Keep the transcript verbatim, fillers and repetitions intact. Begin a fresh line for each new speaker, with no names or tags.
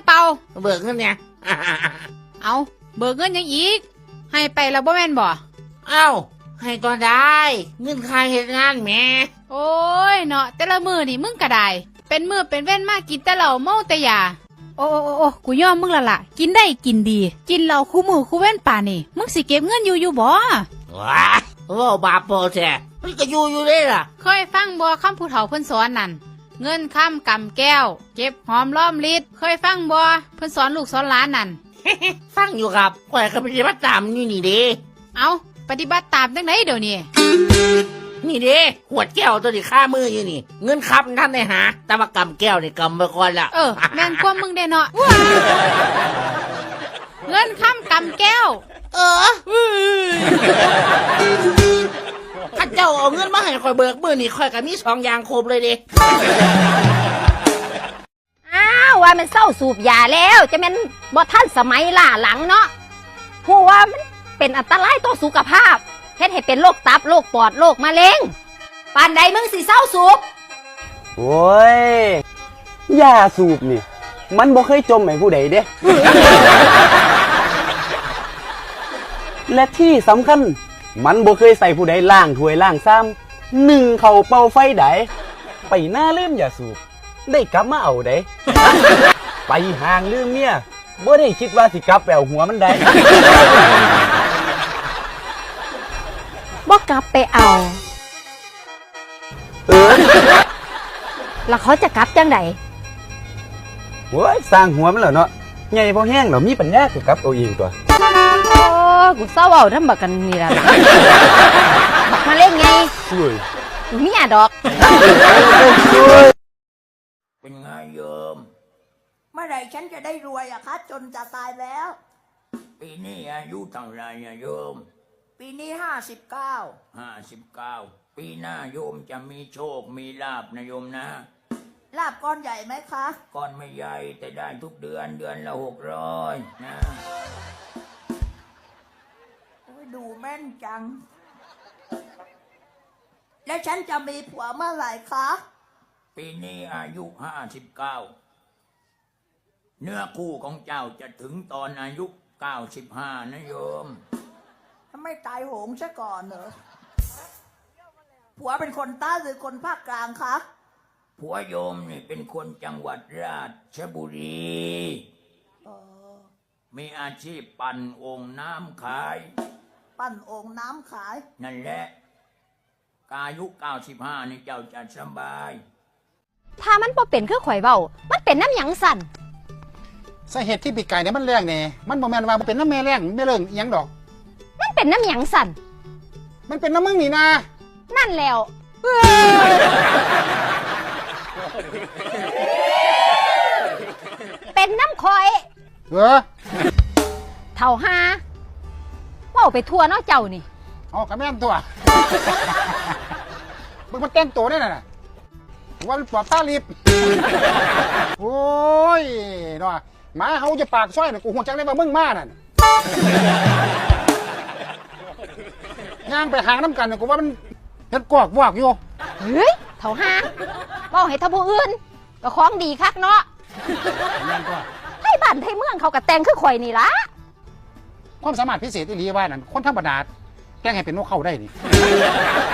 เปล่า
เบิกเงินเนี่ย
เอาเบิกเงินยังอีกให้ไปแล้วบ่แม่นบ่
เอ้าให้ตอนได้เงินค่าเหตุงานแม่
โอ้ยเนาะแต่ละมือนี่มึงก็ได้เป็นมือเป็นเว้นมากกินแต่เหล้าเมาแต่ยาโอ้โอ้โอ้กูยอมมึงละล่ะกินได้กินดีกินเหล้าคู่มือคู่เว้นป่านี่มึงสิเก็บเงินอยู่อยู่บ่
ว้าว่าบาปโปแท้มันก็อยู่อยู่เลยล่ะ
เคยฟังบ่คำผู้เฒ่าเพิ่นสอนนั่นเงินคำกำแก้วเก็บหอมล้อมลิดเคยฟังบ่เพิ่นสอนลูกสอนหลานนั่น
ฟังอยู่ครับข่อยก็ปฏิบัติตามนี่นี่เด้
เอาปฏิบัติตามจังไดเดี๋ยวนี้
นี่เด้ขวดแก้วตัวนี้ค่ามืออยู่นี่เงินครับท่านได้หาแต่ว่ากำแก้วนี่กำไปก่อนละ
เออแม่นความมึงได้เนาะเงินคำกำแก้ว
เออข้าเจ้าเอาเงินมาให้ข่อยเบิกมือนี่ข่อยก็มีสองอย่างครบเลยเด้
อ้าวว่ามันเศร้าสูบยาแล้วจะเป็นบ่ทันสมัยล่าหลังเนาะหัวมันเป็นอันตรายต่อสุขภาพเฮ็ดให้เป็นโรคตับโรคปอดโรคมะเร็งปานใดมึงสิเศร้าสูบ
โอ้ยยาสูบนี่มันบ่เคยจมให้ผู้ใดเด้ และที่สำคัญมันบ่เคยใส่ผู้ใดล้างถ้วยล้างซ้ำหนึ่งเข่าเป่าไฟใดไปหน้าลืมยาสูบได้กลับมาเอาได้ ไปห่างลืมเมียบ่ได้คิดว่าสิกลับแปลหัวมันได้
บ่กลับไปเอา
เออ
แล้วเขาจะกลับจังได
โอ้ยสร้างหัวมันเหรอเนาะใหญ่พอแห้งเหรอมีปัญญาสิกลับเอาเองตัว
โอ้กูเศร้าเอาทำบักกันนี่ล่ะบักมาเล่นไง
อุ้ย
เมียดอก
เป็นไงโยมเมื่อไหร่ฉันจะได้รวยอะคะจนจะตายแล้วปีนี้อายุเท่าไรอะโยมปีนี้ห้าสิบเก้าห้าสิบเก้าปีหน้าโยมจะมีโชคมีลาภนะโยมนะลาภก้อนใหญ่ไหมคะก้อนไม่ใหญ่แต่ได้ทุกเดือนเดือนละหกร้อยนะโอ้ยดูแม่นจังแล้วฉันจะมีผัวเมื่อไหร่คะปีนี้อายุห้าสิบเก้าเนื้อคู่ของเจ้าจะถึงตอนอายุเก้าสิบห้านะโยมถ้าไม่ตายโหงซะก่อนเหรอผัวเป็นคนใต้หรือคนภาคกลางคะผัวโยมนี่เป็นคนจังหวัดราชบุรีมีอาชีพปั่นโอ่งน้ำขายปั่นโอ่งน้ำขายนั่นแหละอายุเก้าสิบห้านี่เจ้าจะสบาย
ถ้ามันบ่เป็นคือข่อยเว้ามันเป็นน้ำหยังสั่น
สาเหตุที่ปีกไก่เนี่ยมันแรงแน่มันบ่แม่นว่ามันเป็นน้ำแม่แรงแม่เรื่องอีหยังดอก
มันเป็นน้ำหยังสั่น
มันเป็นน้ำมึงนี่นะ
นั่นแล้วเป็นน้ำคอย
เออ
เท่าหาว่าไปทั่วเนาะเจ้านี่
อ๋อกระแม่นตัวมึงมันเต้นตัวได้น่ะว่ามันปลอบตาลิบโอ้ยเนาะหมาเขาจะปากซ้อยน่ะกูหัวจังได้มามึงมาน่ะย่างไปหางน้ำกันน่ะกูว่ามันเฮ็ดกอกวอกอยู่
เฮ้ยเท่าหาว่าให้ท่าผู้อื่นก็ของดีคักเนาะให้บ้านให้เมืองเขาก็แต่งคือข่อยนี่ล่ะ
ความสามารถพิเศษอีหลีว่านั่นคนธรรมดาแต่งให้เป็นนกเข้าได้นี่